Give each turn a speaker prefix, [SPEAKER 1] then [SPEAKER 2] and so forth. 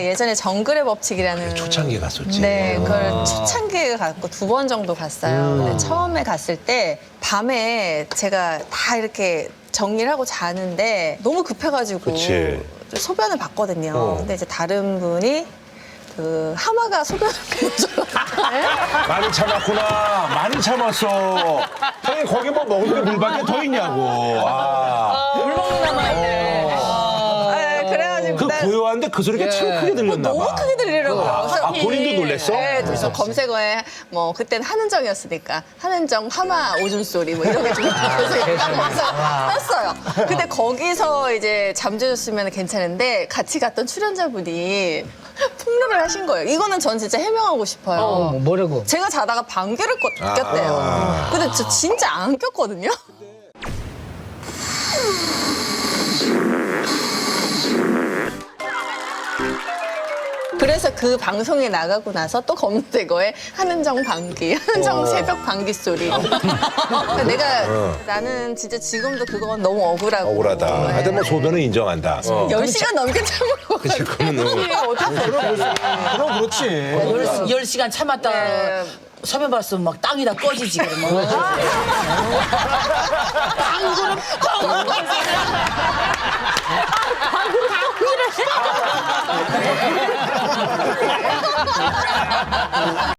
[SPEAKER 1] 예전에 정글의 법칙이라는
[SPEAKER 2] 초창기에 갔었지.
[SPEAKER 1] 네, 그걸 초창기에 갔고 2번 정도 갔어요. 근데 처음에 갔을 때 밤에 제가 다 이렇게 정리를 하고 자는데 너무 급해가지고
[SPEAKER 2] 그치.
[SPEAKER 1] 소변을 봤거든요. 근데 이제 다른 분이 그 하마가 소변을 보여줘요.
[SPEAKER 2] 많이 참았구나. 많이 참았어. 형님 거기 뭐 먹을 게 물밖에 더 있냐고. 아.
[SPEAKER 3] 물 먹는 남아있네.
[SPEAKER 1] 그래가지고
[SPEAKER 2] 그 고요한데 그 소리가 참 크게 들렸나 봐.
[SPEAKER 1] 너무 크게 들리더라고요. 그래서
[SPEAKER 2] 본인도 놀랬어?
[SPEAKER 1] 네, 그래서 검색어에 뭐 그때는 한은정이었으니까 한은정 하마 오줌 소리 뭐 이런 게 좀 떴어요. 근데 거기서 이제 잠재웠으면 괜찮은데 같이 갔던 출연자분이 폭로를 하신 거예요. 이거는 전 진짜 해명하고 싶어요.
[SPEAKER 3] 뭐라고?
[SPEAKER 1] 제가 자다가 방귀를 꼈대요. 근데 저 진짜 안 꼈거든요. 그래서 그 방송에 나가고 나서 또 검색어에 한은정 방귀, 한은정 새벽 방귀 소리. 그러니까 나는 진짜 지금도 그건 너무 억울하고.
[SPEAKER 2] 억울하다.
[SPEAKER 1] 네.
[SPEAKER 2] 하여튼 뭐 소변은 인정한다.
[SPEAKER 1] 10시간 넘게 참고.
[SPEAKER 2] 그치, 그러면은.
[SPEAKER 4] 그럼 그렇지.
[SPEAKER 3] 10시간 참았다.
[SPEAKER 1] 네.
[SPEAKER 3] 서면 봤으면 막 땅이 다 꺼지지, 그러면.